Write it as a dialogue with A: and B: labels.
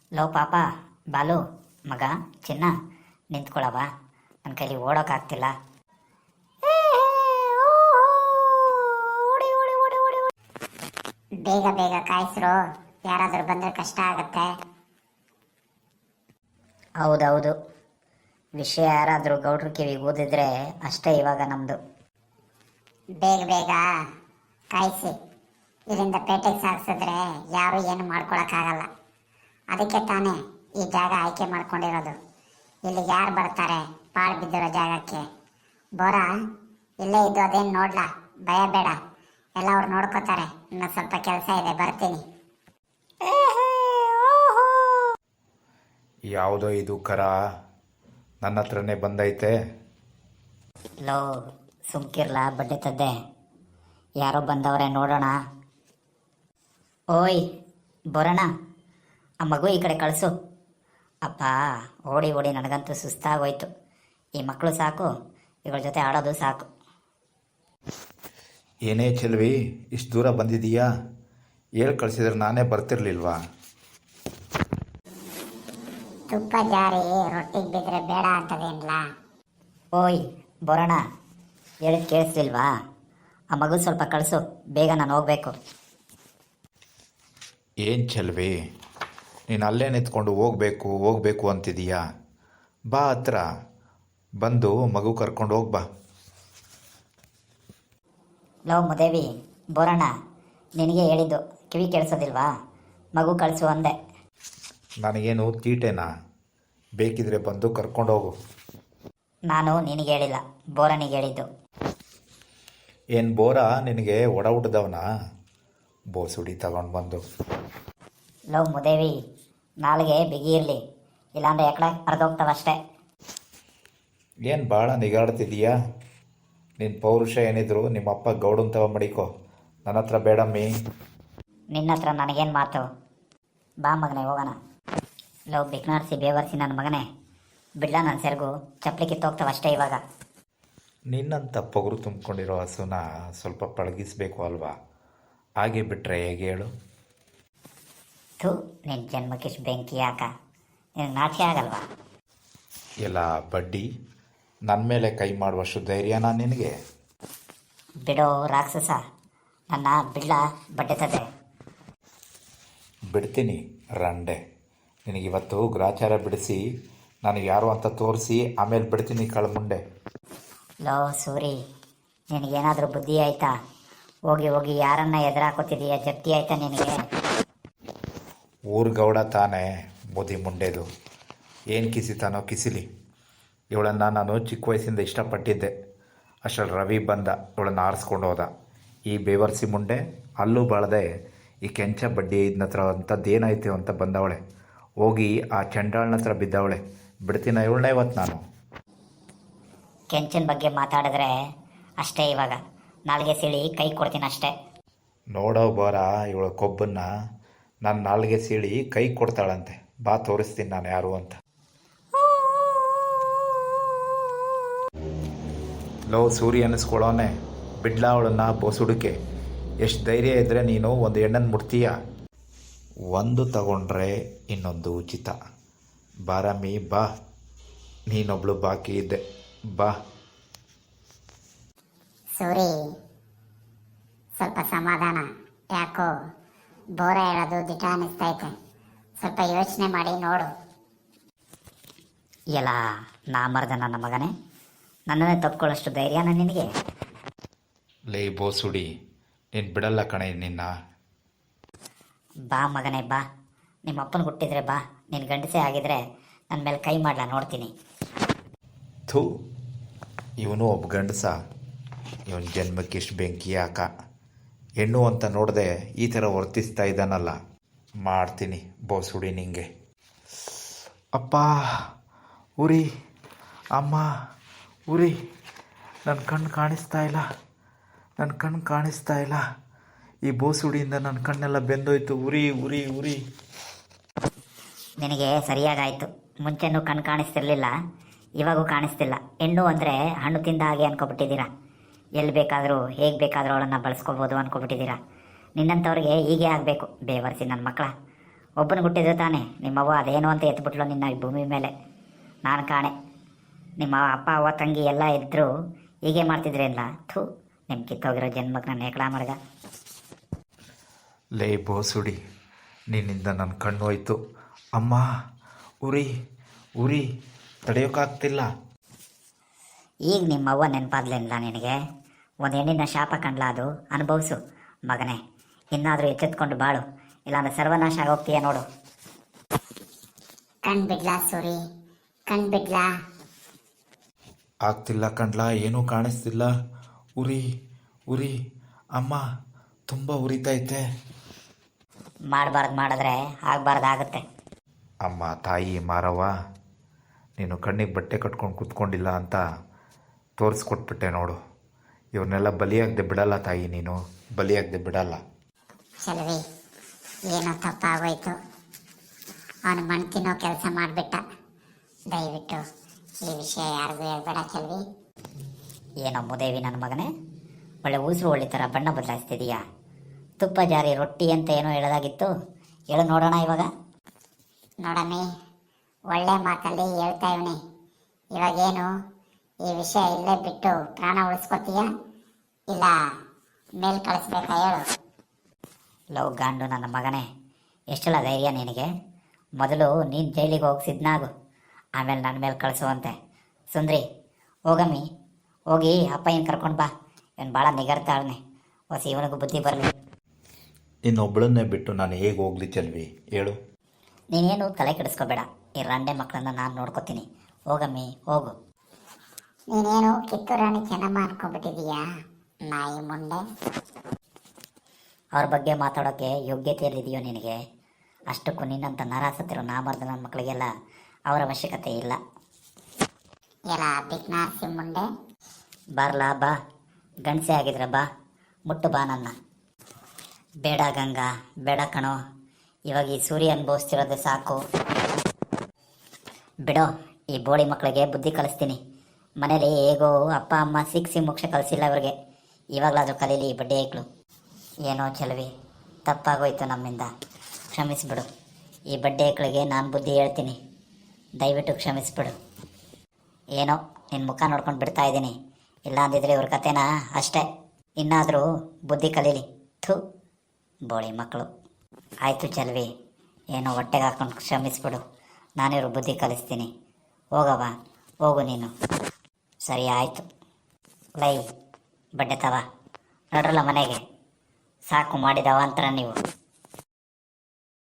A: Low ಪಾಪ ಬಾಲು ಮಗ ಚಿನ್ನ ನಿಂತ್ಕೊಳವ ನನ್ನ ಕೈಲಿ ಓಡೋಕ್ಕಾಗ್ತಿಲ್ಲ.
B: ಬೇಗ ಬೇಗ ಕಾಯಿಸ್ರು, ಯಾರಾದರೂ ಬಂದರೆ ಕಷ್ಟ ಆಗತ್ತೆ.
A: ಹೌದೌದು, ವಿಷಯ ಯಾರಾದರೂ ಗೌಡ್ರ ಕಿವಿಗೆ ಓದಿದ್ರೆ ಅಷ್ಟೇ ಇವಾಗ ನಮ್ಮದು.
B: ಬೇಗ ಬೇಗ ಕಾಯಿಸಿ, ಇಲ್ಲಿಂದ ಪೇಟೆಗೆ ಸಾಗಿಸಿದ್ರೆ ಯಾರು ಏನು ಮಾಡ್ಕೊಳಕ್ಕಾಗಲ್ಲ. ಅದಕ್ಕೆ ತಾನೇ ಈ ಜಾಗ ಆಯ್ಕೆ ಮಾಡ್ಕೊಂಡಿರೋದು. ಇಲ್ಲಿಗೆ ಯಾರು ಬರ್ತಾರೆ ಪಾಳು ಬಿದ್ದಿರೋ ಜಾಗಕ್ಕೆ? ಬೋರಾ ಇಲ್ಲೇ ಇದ್ದು ಅದೇನು ನೋಡ್ಲಾ, ಭಯ ಬೇಡ, ಎಲ್ಲ ಅವ್ರು ನೋಡ್ಕೋತಾರೆ. ಇನ್ನು ಸ್ವಲ್ಪ ಕೆಲಸ ಇದೆ, ಬರ್ತೀನಿ.
C: ಯಾವುದೋ ಇದು ಕರ ನನ್ನ ಹತ್ರನೇ ಬಂದೈತೆ.
A: ಲೋ ಸುಮ್ಕಿರ್ಲ ಬಡ್ಡೆ ತದ್ದೆ, ಯಾರೋ ಬಂದವ್ರೆ ನೋಡೋಣ. ಓಯ್ ಬರೋಣ, ಆ ಮಗು ಈ ಕಡೆ ಕಳಿಸು. ಅಪ್ಪ ಓಡಿ ಓಡಿ ನನಗಂತೂ ಸುಸ್ತಾಗೋಯ್ತು. ಈ ಮಕ್ಕಳು ಸಾಕು, ಇವ್ರ ಜೊತೆ ಆಡೋದು ಸಾಕು.
C: ಏನೇ ಚೆಲ್ವಿ, ಇಷ್ಟು ದೂರ ಬಂದಿದೀಯಾ? ಹೇಳಿ ಕಳಿಸಿದ್ರೆ ನಾನೇ ಬರ್ತಿರ್ಲಿಲ್ವಾ?
B: ತುಪ್ಪ ಜಾರಿ ರೊಟ್ಟಿಗೆ ಬಿದ್ದರೆ ಬೇಡ ಅಂತದೇನ್ಲ?
A: ಓಯ್ ಬರೋಣ, ಹೇಳಿದ್ ಕೇಳಿಸ್ಲಿಲ್ವಾ? ಆ ಮಗು ಸ್ವಲ್ಪ ಕಳಿಸು, ಬೇಗ ನಾನು ಹೋಗ್ಬೇಕು.
C: ಏನು ಚೆಲ್ವಿ, ನೀನು ಅಲ್ಲೇ ನಿಂತ್ಕೊಂಡು ಹೋಗ್ಬೇಕು ಹೋಗ್ಬೇಕು ಅಂತಿದೀಯಾ? ಬಾ ಹತ್ರ ಬಂದು ಮಗು ಕರ್ಕೊಂಡು ಹೋಗ್ಬಾ.
A: ಲೋ ಮುದೇವಿ ಬರೋಣ, ನಿನಗೆ ಹೇಳಿದ್ದು ಕಿವಿ ಕೇಳಿಸೋದಿಲ್ವಾ? ಮಗು ಕಳಿಸು ಅಂದೆ.
C: ನನಗೇನು ತೀಟೆನಾ? ಬೇಕಿದ್ರೆ ಬಂದು ಕರ್ಕೊಂಡೋಗು.
A: ನಾನು ನಿನಗೆ ಹೇಳಿಲ್ಲ, ಬೋರನಿಗೆ ಹೇಳಿದ್ದು.
C: ಏನು ಬೋರ ನಿನಗೆ ಒಡ ಹುಟ್ಟಿದವನ? ಬೋಸುಡಿ ತಗೊಂಡು ಬಂದು.
A: ಲೋ ಮುದೇವಿ, ನಾಳೆಗೆ ಬಿಗಿ ಇರಲಿ, ಇಲ್ಲಾಂದ್ರೆ ಎಕಡೆ ಅರ್ಧೋಗ್ತಾವಷ್ಟೇ.
C: ಏನು ಭಾಳ ನಿಗಾಡ್ತಿದೀಯಾ? ನಿನ್ನ ಪೌರುಷ ಏನಿದ್ರು ನಿಮ್ಮಪ್ಪ ಗೌಡನ್ ತವ ಮಡಿಕೋ, ನನ್ನ ಹತ್ರ ಬೇಡಮ್ಮಿ.
A: ನಿನ್ನ ಹತ್ರ ನನಗೇನು ಮಾತು? ಬಾ ಮಗನೇ ಹೋಗೋಣ. ಲೋ ಬಿಕ್ನಾಡ್ಸಿ ಬೇವರ್ಸಿ ನನ್ನ ಮಗನೇ, ಬಿಡ್ಲ ನನ್ನ ಸೆರಗು, ಚಪ್ಪಲಿ ಕಿತ್ತೋಗ್ತಾವಷ್ಟೇ ಇವಾಗ.
C: ನಿನ್ನಂಥ ಪೊಗರು ತುಂಬಿಕೊಂಡಿರೋ ಹಸುನ ಸ್ವಲ್ಪ ಪಳಗಿಸ್ಬೇಕು ಅಲ್ವಾ? ಹಾಗೆ ಬಿಟ್ಟರೆ ಹೇಗೆ ಹೇಳು?
A: ಥೂ, ನಿನ್ನ ಜನ್ಮಕ್ಕಿಷ್ಟು ಬೆಂಕಿ ಯಾಕ? ನಿನಗೆ ನಾಚಿಕೆ ಆಗಲ್ವಾ?
C: ಎಲ್ಲ ಬಡ್ಡಿ, ನನ್ನ ಮೇಲೆ ಕೈ ಮಾಡುವಷ್ಟು ಧೈರ್ಯನಾ ನಿನಗೆ?
A: ಬಿಡೋ ರಾಕ್ಷಸ, ನನ್ನ ಬಿಡ್ಲ ಬಡ್ಡೆತದೆ.
C: ಬಿಡ್ತೀನಿ ರಂಡೆ. ನಿನಗಿವತ್ತು ಗ್ರಾಚಾರ ಬಿಡಿಸಿ ನಾನು ಯಾರು ಅಂತ ತೋರಿಸಿ ಆಮೇಲೆ ಬಿಡ್ತೀನಿ ಕಳ್ಮುಂಡೆ.
A: ಲೋ ಸೂರಿ, ನಿನಗೇನಾದರೂ ಬುದ್ಧಿ ಆಯ್ತಾ? ಹೋಗಿ ಹೋಗಿ ಯಾರನ್ನ ಎದುರಾಕೋತಿದೀಯ? ಜಪ್ತಿ ಆಯ್ತಾ ನಿನಗೆ?
C: ಊರು ಗೌಡ ತಾನೇ ಮುದಿ ಮುಂಡೆದು, ಏನು ಕಿಸಿತಾನೋ ಕಿಸಿಲಿ. ಇವಳನ್ನು ನಾನು ಚಿಕ್ಕ ವಯಸ್ಸಿಂದ ಇಷ್ಟಪಟ್ಟಿದ್ದೆ. ಅಷ್ಟರಲ್ಲಿ ರವಿ ಬಂದ, ಇವಳನ್ನು ಆರಿಸ್ಕೊಂಡು ಹೋದ. ಈ ಬೇವರ್ಸಿ ಮುಂಡೆ ಅಲ್ಲೂ ಬಾಳದೆ ಈ ಕೆಂಚ ಬಡ್ಡಿ ಇದನ್ನ ಹತ್ರ ಅಂಥದ್ದೇನಾಯ್ತು ಅಂತ ಬಂದವಳೆ. ಹೋಗಿ ಆ ಚಂಡಾಳನ ಹತ್ರ ಬಿದ್ದವಳೆ. ಬಿಡ್ತೀನ ಇವಳನ್ನ ಇವತ್ತು ನಾನು?
A: ಕೆಂಚನ ಬಗ್ಗೆ ಮಾತಾಡಿದ್ರೆ ಅಷ್ಟೇ, ಇವಾಗ ನಾಲ್ಗೆ ಸೀಳಿ ಕೈ ಕೊಡ್ತೀನಿ ಅಷ್ಟೇ.
C: ನೋಡೋ ಬಾರ ಇವಳ ಕೊಬ್ಬನ್ನ, ನಾನು ನಾಲ್ಗೆ ಸೀಳಿ ಕೈ ಕೊಡ್ತಾಳಂತೆ. ಬಾ ತೋರಿಸ್ತೀನಿ ನಾನು ಯಾರು ಅಂತ. ಲೋ ಸೂರಿ ಅನ್ನಿಸ್ಕೊಳ್ಳೋನೆ, ಬಿಡ್ಲಾ ಅವಳನ್ನ ಬೋಸುಡಿಕೆ. ಎಷ್ಟು ಧೈರ್ಯ ಇದ್ದರೆ ನೀನು ಒಂದು ಹೆಣ್ಣನ್ನು ಮುಡ್ತೀಯ? ಒಂದು ತಗೊಂಡ್ರೆ ಇನ್ನೊಂದು ಉಚಿತ. ಬಾರಮ್ಮಿ ಬಾ, ನೀನೊಬ್ಳು ಬಾಕಿ ಇದ್ದೆ, ಬಾ.
B: ಸೂರಿ, ಸ್ವಲ್ಪ ಸಮಾಧಾನ. ಯಾಕೋ ಬೋರ ಹೇಳೋದು ದಿಟ ಅನ್ನಿಸ್ತೈತೆ. ಸ್ವಲ್ಪ ಯೋಚನೆ ಮಾಡಿ ನೋಡು.
A: ಎಲ್ಲ ನಾ ಮರ್ದ ನನ್ನ ಮಗನೇ, ನನ್ನನ್ನೇ ತಪ್ಕೊಳ್ಳೋಷ್ಟು ಧೈರ್ಯನ ನಿನಗೆ?
C: ಲೇ ಬೋಸುಡಿ, ನೀನು ಬಿಡಲ್ಲ ಕಣೆ ನಿನ್ನ.
A: ಬಾ ಮಗನೇ ಬಾ, ನಿಮ್ಮ ಅಪ್ಪನ ಹುಟ್ಟಿದ್ರೆ ಬಾ, ನಿನ್ನ ಗಂಡಸೇ ಆಗಿದ್ರೆ ನನ್ನ ಮೇಲೆ ಕೈ ಮಾಡ್ಲಾ ನೋಡ್ತೀನಿ.
C: ಥೂ, ಇವನು ಒಬ್ಬ ಗಂಡಸ? ಇವನ ಜನ್ಮಕ್ಕಿಷ್ಟು ಬೆಂಕಿ ಯಾಕ? ಹೆಣ್ಣು ಅಂತ ನೋಡದೆ ಈ ಥರ ವರ್ತಿಸ್ತಾ ಇದ್ದಾನಲ್ಲ. ಮಾಡ್ತೀನಿ ಬೋಸುಡಿ ನಿಂಗೆ. ಅಪ್ಪ ಉರಿ, ಅಮ್ಮ ಉರಿ, ನನ್ನ ಕಣ್ಣು ಕಾಣಿಸ್ತಾ ಇಲ್ಲ, ನನ್ನ ಕಣ್ಣು ಕಾಣಿಸ್ತಾ ಇಲ್ಲ. ಈ ಬೋಸುಡಿಯಿಂದ ನನ್ನ ಕಣ್ಣೆಲ್ಲ ಬೆಂದೋಯ್ತು. ಉರಿ ಉರಿ ಉರಿ.
A: ನಿನಗೆ ಸರಿಯಾಗಾಯಿತು. ಮುಂಚೆನೂ ಕಣ್ಣು ಕಾಣಿಸ್ತಿರ್ಲಿಲ್ಲ, ಇವಾಗೂ ಕಾಣಿಸ್ತಿಲ್ಲ. ಹೆಣ್ಣು ಅಂದರೆ ಹಣ್ಣು ತಿಂದ ಹಾಗೆ ಅನ್ಕೊಬಿಟ್ಟಿದ್ದೀರಾ. ಎಲ್ಲಿ ಬೇಕಾದರೂ ಹೇಗೆ ಬೇಕಾದರೂ ಅವಳನ್ನು ಬಳಸ್ಕೋಬೋದು ಅನ್ಕೊಬಿಟ್ಟಿದ್ದೀರಾ. ನಿನ್ನಂಥವ್ರಿಗೆ ಹೀಗೆ ಆಗಬೇಕು. ಬೇವರ್ಸಿ ನನ್ನ ಮಕ್ಕಳ, ಒಬ್ಬನ ಹುಟ್ಟಿದ್ರೆ ತಾನೆ ನಿಮ್ಮವ್ವ ಅದೇನು ಅಂತ ಎತ್ಬಿಟ್ಲು ನಿನ್ನ ಈ ಭೂಮಿ ಮೇಲೆ. ನಾನು ಕಾಣೆ, ನಿಮ್ಮ ಅಪ್ಪ ಅವ್ವ ತಂಗಿ ಎಲ್ಲ ಇದ್ದರೂ ಹೀಗೆ ಮಾಡ್ತಿದ್ರೇನಿಲ್ಲ. ಥೂ, ನಿಮ್ಮ ಕಿತ್ತೋಗಿರೋ ಜನ್ಮಕ್ಕೆ ನಾನು ನೇಕಳ ಮಡ್ಗ.
C: ಲೇ ಬೋಸುಡಿ, ನಿನ್ನಿಂದ ನನ್ನ ಕಣ್ಣು ಹೋಯ್ತು. ಅಮ್ಮ, ಉರಿ ಉರಿ, ತಡೆಯೋಕ್ಕಾಗ್ತಿಲ್ಲ.
A: ಈಗ ನಿಮ್ಮವ್ವ ನೆನಪಾದ್ಲಿಲ್ಲ ನಿನಗೆ? ಒಂದು ಹೆಣ್ಣಿನ ಶಾಪ ಕಂಡ್ಲ, ಅದು ಅನುಭವಿಸು ಮಗನೇ. ಇನ್ನಾದರೂ ಎಚ್ಚೆತ್ಕೊಂಡು ಬಾಳು, ಇಲ್ಲಾಂದ್ರೆ ಸರ್ವನಾಶ ಆಗೋಗ್ತೀಯ ನೋಡು.
B: ಕಣ್ಬಿಡ್ಲಾ ಸೂರಿ, ಕಣ್ಬಿಡ್ಲಾ?
C: ಆಗ್ತಿಲ್ಲ ಕಣ್ಲ, ಏನೂ ಕಾಣಿಸ್ತಿಲ್ಲ. ಉರಿ ಉರಿ, ಅಮ್ಮ ತುಂಬ ಉರಿತೈತೆ.
A: ಮಾಡಬಾರ್ದು ಮಾಡಿದ್ರೆ ಆಗಬಾರ್ದಾಗುತ್ತೆ.
C: ಅಮ್ಮ, ತಾಯಿ ಮಾರವ್ವ, ನೀನು ಕಣ್ಣಿಗೆ ಬಟ್ಟೆ ಕಟ್ಕೊಂಡು ಕೂತ್ಕೊಂಡಿಲ್ಲ ಅಂತ ತೋರಿಸ್ಕೊಟ್ಬಿಟ್ಟೆ ನೋಡು. ಇವ್ರನ್ನೆಲ್ಲ ಬಲಿಯಾಗದೆ ಬಿಡಲ್ಲ ತಾಯಿ, ನೀನು ಬಲಿಯಾಗದೆ ಬಿಡಲ್ಲ.
B: ಚಲವಿ, ಏನೋ ತಪ್ಪಾಗೋಯ್ತು. ಅವನು ಮಣ್ಣು ತಿನ್ನೋ ಕೆಲಸ ಮಾಡಿಬಿಟ್ಟ. ದಯವಿಟ್ಟು ಈ ವಿಷಯ ಯಾರಿಗೂ ಹೇಳ್ಬೇಡ ಚಲವಿ.
A: ಏನೋ ಮುದೇವಿ ನನ್ನ ಮಗನೇ, ಒಳ್ಳೆ ಉಸಿರು ಒಳ್ಳೆ ಥರ ಬಣ್ಣ ಬದಲಾಯಿಸ್ತಿದೀಯಾ. ತುಪ್ಪ ಜಾರಿ ರೊಟ್ಟಿ ಅಂತ ಏನೋ ಹೇಳೋದಾಗಿತ್ತು, ಹೇಳು ನೋಡೋಣ ಇವಾಗ.
B: ನೋಡಮ್ಮಿ, ಒಳ್ಳೆ ಮಾತಲ್ಲಿ ಹೇಳ್ತಾ ಇವನಿ. ಇವಾಗೇನು ಈ ವಿಷಯ ಇಲ್ಲೇ ಬಿಟ್ಟು ಪ್ರಾಣ ಉಳಿಸ್ಕೊತೀಯ, ಇಲ್ಲ ಮೇಲ್ ಕಳಿಸ್ಬೇಕಾ ಹೇಳು?
A: ಲವ್ ಗಾಂಡು ನನ್ನ ಮಗನೇ, ಎಷ್ಟೆಲ್ಲ ಧೈರ್ಯ ನಿನಗೆ? ಮೊದಲು ನೀನು ಜೈಲಿಗೆ ಹೋಗಿ ಸಿದ್ನಾಗು, ಆಮೇಲೆ ನನ್ನ ಮೇಲೆ ಕಳಿಸುವಂತೆ. ಸುಂದ್ರಿ, ಹೋಗಮ್ಮಿ, ಹೋಗಿ ಅಪ್ಪ ಏನು ಕರ್ಕೊಂಡು ಬಾ. ಇವನು ಭಾಳ ನಿಗರ್ತಾಳನೆ, ಹೊಸ ಇವನಿಗೂ ಬುದ್ಧಿ ಬರಲಿ.
C: ಇನ್ನೊಬ್ಬಳನ್ನೇ ಬಿಟ್ಟು ನಾನು ಹೇಗೆ ಹೋಗ್ಲಿ ಚೆಲ್ವಿ, ಹೇಳು?
A: ನೀನೇನು ತಲೆ ಕೆಡಿಸ್ಕೋಬೇಡ, ಈ ರಂಡೆ ಮಕ್ಕಳನ್ನ ನಾನು ನೋಡ್ಕೋತೀನಿ. ಹೋಗಮ್ಮಿ, ಹೋಗು.
B: ನೀನೇನು ಕಿತ್ತೂರಾಣಿ ಚೆನ್ನಮ್ಮ ಅನ್ಕೊಂಡ್ಬಿಟ್ಟಿದೀಯಾ, ನಾಯಿ ಮುಂಡೆ?
A: ಅವ್ರ ಬಗ್ಗೆ ಮಾತಾಡೋಕ್ಕೆ ಯೋಗ್ಯತೆ ಇಲ್ಲಿದೆಯೋ ನಿನಗೆ? ಅಷ್ಟಕ್ಕೂ ನಿನ್ನಂಥ ನರಾಸತ್ತಿರೋ ನಾಮರ್ದ ನನ್ನ ಮಕ್ಕಳಿಗೆಲ್ಲ ಅವರ ಅವಶ್ಯಕತೆ ಇಲ್ಲ.
B: ಎಲ್ಲ ಬಿಗ್ನಾಸಿ ಮುಂಡೆ.
A: ಬಾರ್ಲಾ ಬಾ, ಗಂಡಸೆ ಆಗಿದ್ರೆ ಬಾ, ಮುಟ್ಟು ಬಾ ನನ್ನ. ಬೇಡ ಗಂಗಾ, ಬೇಡ ಕಣೋ, ಇವಾಗ ಈ ಸೂರ್ಯ ಅನುಭವಿಸ್ತಿರೋದೇ ಸಾಕು. ಬಿಡೋ, ಈ ಬೋಳಿ ಮಕ್ಕಳಿಗೆ ಬುದ್ಧಿ ಕಲಿಸ್ತೀನಿ. ಮನೇಲಿ ಹೇಗೋ ಅಪ್ಪ ಅಮ್ಮ ಸಿಕ್ಸಿ ಮೋಕ್ಷ ಕಲಿಸಿಲ್ಲ ಅವ್ರಿಗೆ, ಇವಾಗಲಾದರೂ ಕಲೀಲಿ ಈ ಬಡ್ಡಿ ಐಕ್ಳು. ಏನೋ ಚೆಲವಿ, ತಪ್ಪಾಗೋಯ್ತು ನಮ್ಮಿಂದ, ಕ್ಷಮಿಸ್ಬಿಡು. ಈ ಬಡ್ಡಿ ಐಕ್ಳಿಗೆ ನಾನು ಬುದ್ಧಿ ಹೇಳ್ತೀನಿ, ದಯವಿಟ್ಟು ಕ್ಷಮಿಸ್ಬಿಡು. ಏನೋ ನಿನ್ನ ಮುಖ ನೋಡ್ಕೊಂಡು ಬಿಡ್ತಾ ಇದ್ದೀನಿ, ಇಲ್ಲ ಅಂದಿದ್ರೆ ಇವ್ರ ಕತೆನಾ ಅಷ್ಟೇ. ಇನ್ನಾದರೂ ಬುದ್ಧಿ ಕಲೀಲಿ. ಥೂ, ಬೋಳಿ ಮಕ್ಕಳು. ಆಯಿತು ಚೆಲ್ವಿ, ಏನೋ ಹೊಟ್ಟೆಗೆ ಹಾಕೊಂಡು ಕ್ಷಮಿಸ್ಬಿಡು, ನಾನಿವ್ರು ಬುದ್ಧಿ ಕಲಿಸ್ತೀನಿ. ಹೋಗವ, ಹೋಗು ನೀನು. ಸರಿ ಆಯಿತು. ಲೈ ಬಡ್ಡೆ ತವ, ನೋಡ್ರಲ್ಲ ಮನೆಗೆ, ಸಾಕು ಮಾಡಿದ ಅವಾಂತರ ನೀವು.